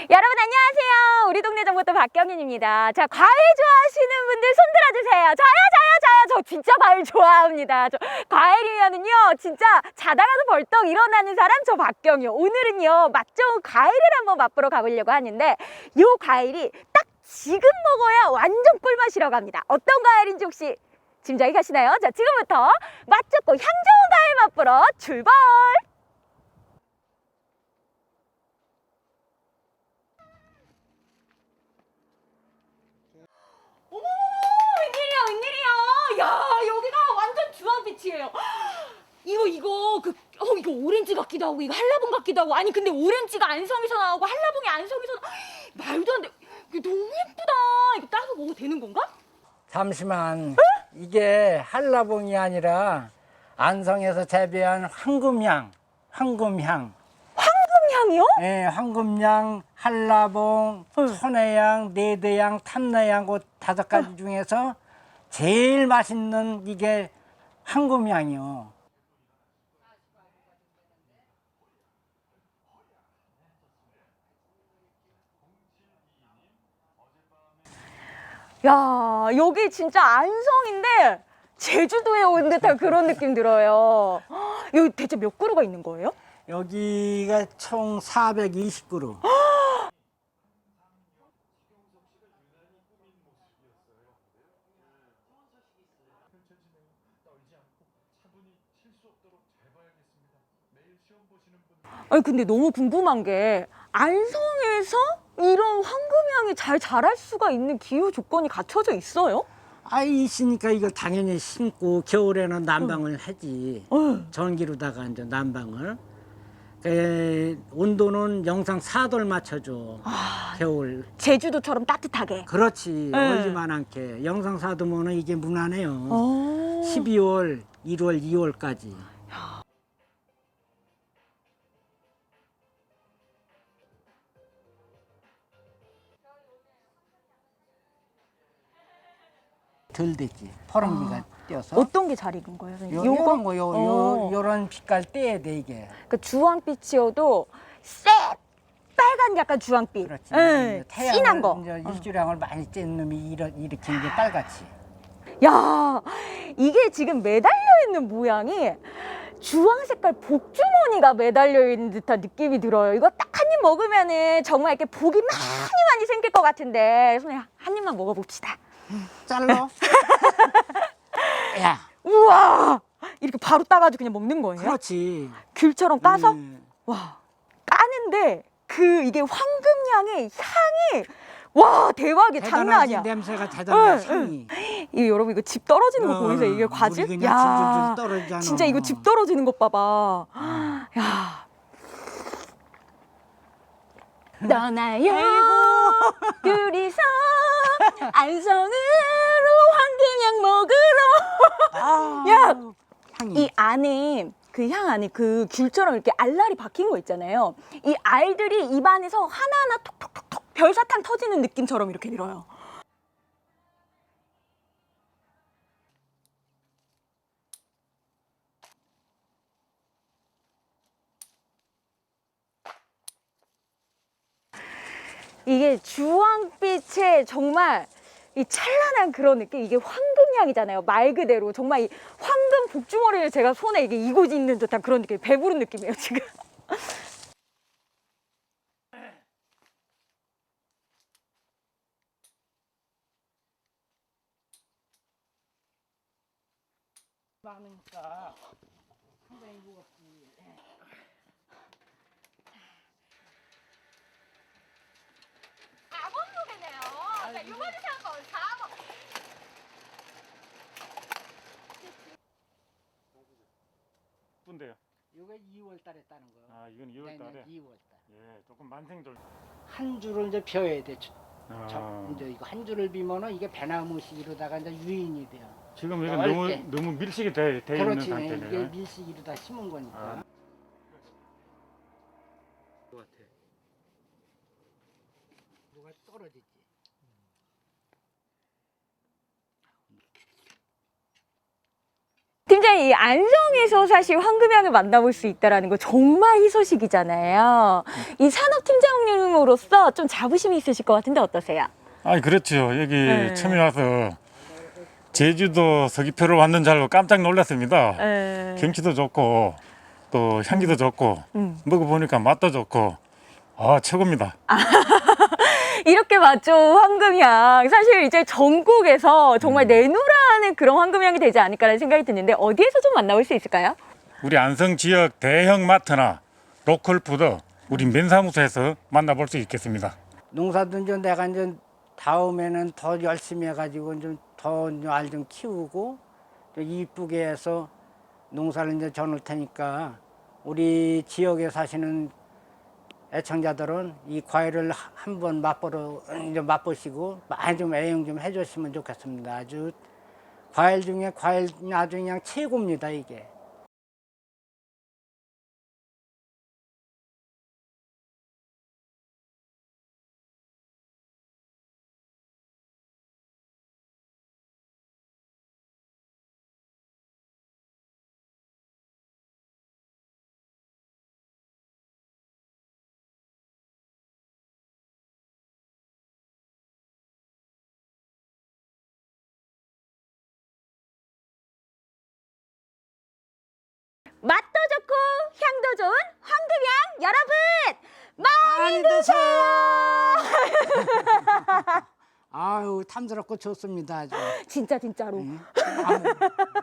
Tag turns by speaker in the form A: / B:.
A: 여러분 안녕하세요. 우리 동네 정보또 박경인입니다. 자, 과일 좋아하시는 분들 손 들어주세요. 저요. 저 진짜 과일 좋아합니다. 저 과일이면은요 진짜 자다가도 벌떡 일어나는 사람 저 박경이요. 오늘은요 맛 좋은 과일을 한번 맛보러 가보려고 하는데 요 과일이 딱 지금 먹어야 완전 꿀맛이라고 합니다. 어떤 과일인지 혹시 짐작이 가시나요? 자, 지금부터 맛 좋고 향 좋은 과일 맛보러 출발! 어머, 웬일이야. 야, 여기가 완전 주황빛이에요. 이거 오렌지 같기도 하고, 이거 한라봉 같기도 하고. 아니, 근데 오렌지가 안성에서 나오고, 한라봉이 안성에서 말도 안 돼. 이게 너무 예쁘다. 이거 따서 먹어도 되는 건가?
B: 잠시만, 이게 한라봉이 아니라 안성에서 재배한 황금향.
A: 황금향이요?
B: 예, 황금향, 한라봉, 천혜향, 네대향, 탐내향 그 5가지 중에서 제일 맛있는 이게 황금향이요.
A: 야, 여기 진짜 안성인데 제주도에 온 듯한 그런 느낌 들어요. 여기 대체 몇 그루가 있는 거예요?
B: 여기가 총 420그루.
A: 아니, 근데 너무 궁금한 게 안성에서 이런 황금향이 잘 자랄 수가 있는 기후 조건이 갖춰져 있어요?
B: 있으니까 이걸 당연히 심고 겨울에는 난방을 하지. 전기로다가 이제 난방을. 온도는 영상 4도를 맞춰줘. 겨울.
A: 제주도처럼 따뜻하게.
B: 그렇지. 얼리만 않게. 영상 4도면은 이게 무난해요.
A: 오.
B: 12월, 1월, 2월까지. 덜 됐지. 퍼런기가 띄어서.
A: 어떤 게 잘 익은 거예요, 선생님?
B: 요런 거,
A: 어.
B: 요런 빛깔 떼야 돼, 이게.
A: 그 주황빛이어도 빨간 약간 주황빛.
B: 그렇지.
A: 예,
B: 태양을,
A: 진한 거.
B: 이제 일주량을 많이 쬐는 놈이 일으키는 게 빨갛지.
A: 야, 이게 지금 매달려 있는 모양이 주황 색깔 복주머니가 매달려 있는 듯한 느낌이 들어요. 이거 딱 한 입 먹으면은 정말 이렇게 복이 많이 생길 것 같은데, 선생님 한 입만 먹어봅시다.
B: 잘라. 야.
A: 우와, 이렇게 바로 따가지고 그냥 먹는 거예요?
B: 그렇지.
A: 귤처럼 까서?
B: 음.
A: 와, 까는데 이게 황금향의 향이 와 대박이야. 장난 아니야.
B: 냄새가 대단해.
A: 응,
B: 향이.
A: 이거 여러분 이거 집 떨어지는 거 보이세요? 이게 과즙?
B: 물이 그냥 줄줄 떨어지잖아.
A: 진짜 이거 집 떨어지는 것 봐봐. 야. 떠나요 둘이서 안성으로 황금향 먹으러. 야,
B: 향이.
A: 이 안에 그 향 안에 그 귤처럼 이렇게 알알이 박힌 거 있잖아요. 이 알들이 입안에서 하나하나 톡톡톡톡 별사탕 터지는 느낌처럼 이렇게 들어요. 이게 주황빛에 정말 이 찬란한 그런 느낌, 이게 황금향이잖아요. 말 그대로 정말 이 황금 복주머리를 제가 손에 이게 이고 있는 듯한 그런 느낌, 배부른 느낌이에요 지금.
B: 많으니까 상당히 무겁지.
A: 사번무게네요. 그러니까 이번에 산건 4번.
C: 분데요.
B: 이거 2월 달에 따는 거요.
C: 아, 이건 2월 달에.
B: 2월 달.
C: 예, 조금 만생절.
B: 한 줄을 이제 펴야 돼.
C: 아,
B: 이제 이거 한 줄을 비면은 이게 배나무식으로다가 이제 유인이 돼요.
C: 지금 이건
B: 넓게.
C: 너무 밀식이 돼 있는
B: 그렇지. 이게
C: 상태네요.
B: 밀식으로 다 심은 거니까.
C: 아.
B: 누가 떨어지지.
A: 팀장님, 이 안성에서 사실 황금향을 만나볼 수 있다는 거 정말 희소식이잖아요. 이 산업팀장님으로서 좀 자부심이 있으실 것 같은데 어떠세요?
C: 아니 그렇죠. 여기
A: 네.
C: 처음에 와서 제주도 서귀표를 왔는 줄 알고 깜짝 놀랐습니다.
A: 네.
C: 경치도 좋고 또 향기도 좋고 먹어보니까 맛도 좋고 최고입니다.
A: 이렇게 맞죠, 황금향. 사실 이제 전국에서 정말 내놓으라는 그런 황금향이 되지 않을까라는 생각이 드는데 어디에서 좀 만나볼 수 있을까요?
C: 우리 안성 지역 대형 마트나 로컬 푸드 우리 면사무소에서 만나볼 수 있겠습니다.
B: 농사도 이제 내가 이제 다음에는 더 열심히 해가지고 좀 더 알 좀 키우고 좀 이쁘게 해서 농사를 이제 져놓을 테니까 우리 지역에 사시는 애청자들은 이 과일을 한번 맛보시고 많이 좀 애용 좀 해주시면 좋겠습니다. 아주 과일 중에 과일 아주 그냥 최고입니다, 이게.
A: 맛도 좋고 향도 좋은 황금향 여러분 많이
B: 드세요. 아유 탐스럽고 좋습니다. 아주.
A: 진짜로.
B: 아유.